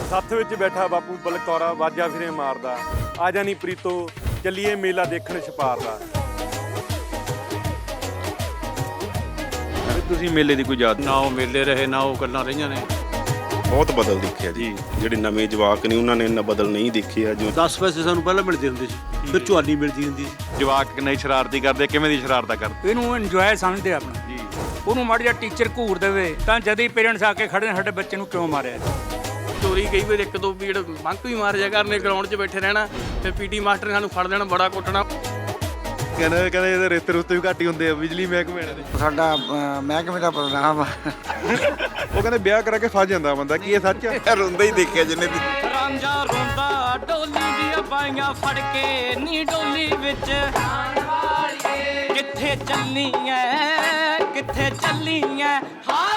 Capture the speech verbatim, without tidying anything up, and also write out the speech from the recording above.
ਸੱਥ ਵਿੱਚ ਬੈਠਾ ਬਾਪੂ ਬਲਕੌਰਾ ਵਾਜਾ ਫਿਰੇ ਮਾਰਦਾ, ਆ ਜਾਣੀ ਪ੍ਰੀਤੋ ਚੱਲੀਏ ਮੇਲਾ ਦੇਖਣ ਛਪਾਰ ਦਾ। ਤੁਸੀਂ ਮੇਲੇ ਦੀ ਕੋਈ ਯਾਦ? ਨਾ ਉਹ ਮੇਲੇ ਰਹੇ ਨਾ ਉਹ ਗੱਲਾਂ ਰਹੀਆਂ ਨੇ। ਬਹੁਤ ਬਦਲ ਦੇਖਿਆ ਜੀ। ਜਿਹੜੇ ਨਵੇਂ ਜਵਾਕ ਨੇ ਉਹਨਾਂ ਨੇ ਇੰਨਾ ਬਦਲ ਨਹੀਂ ਦੇਖਿਆ। ਜੋ ਦਸ ਪੈਸੇ ਸਾਨੂੰ ਪਹਿਲਾਂ ਮਿਲਦੇ ਹੁੰਦੇ ਸੀ, ਫਿਰ ਝੁਆਲੀ ਮਿਲਦੀ ਹੁੰਦੀ ਸੀ। ਜਵਾਕ ਕਿੰਨੇ ਸ਼ਰਾਰਤੀ ਕਰਦੇ, ਕਿਵੇਂ ਦੀ ਸ਼ਰਾਰਤਾਂ ਕਰਦੇ? ਇਹਨੂੰ ਇੰਜੋਏ ਸਮਝਦੇ ਆਪਣਾ ਜੀ। ਉਹਨੂੰ ਮਾੜਾ ਜਿਹਾ ਟੀਚਰ ਘੂਰ ਦੇਵੇ ਤਾਂ ਜਦ ਹੀ ਪੇਰੈਂਟਸ ਆ ਕੇ ਖੜੇ ਨੇ ਸਾਡੇ ਬੱਚੇ ਨੂੰ ਕਿਉਂ ਮਾਰਿਆ। ਚੋਰੀ ਕਈ ਵਾਰ ਇੱਕ ਦੋ ਪੀੜ ਬੰਕ ਵੀ ਮਾਰ ਜਾ ਕਰਨੇ, ਗਰਾਊਂਡ 'ਚ ਬੈਠੇ ਰਹਿਣਾ, ਫਿਰ ਪੀਟੀ ਮਾਸਟਰ ਨੇ ਸਾਨੂੰ ਫੜ ਲੈਣਾ, ਬੜਾ ਕੁੱਟਣਾ। ਕਹਿੰਦੇ ਕਹਿੰਦੇ ਇਹਦੇ ਰੇਤੇ ਰੁੱਤੇ ਵੀ ਘੱਟ ਹੀ ਹੁੰਦੇ ਆ ਬਿਜਲੀ ਮਹਿਕਮੇ ਦੇ। ਸਾਡਾ ਮਹਿਕਮੇ ਦਾ ਪ੍ਰੋਗਰਾਮ ਆ। ਉਹ ਕਹਿੰਦੇ ਵਿਆਹ ਕਰਾ ਕੇ ਫਸ ਜਾਂਦਾ ਬੰਦਾ, ਕੀ ਇਹ ਸੱਚ ਹੈ? ਰੋਂਦਾ ਹੀ ਦੇਖਿਆ ਜਿੰਨੇ ਵੀ। ਰਾਂਝਾ ਰੋਂਦਾ ਡੋਲੀ ਦੀਆਂ ਬਾਈਆਂ ਫੜ ਕੇ, ਨੀ ਡੋਲੀ ਵਿੱਚ ਕਿੱਥੇ ਚੱਲੀ ਐ, ਕਿੱਥੇ ਚੱਲੀ ਐ।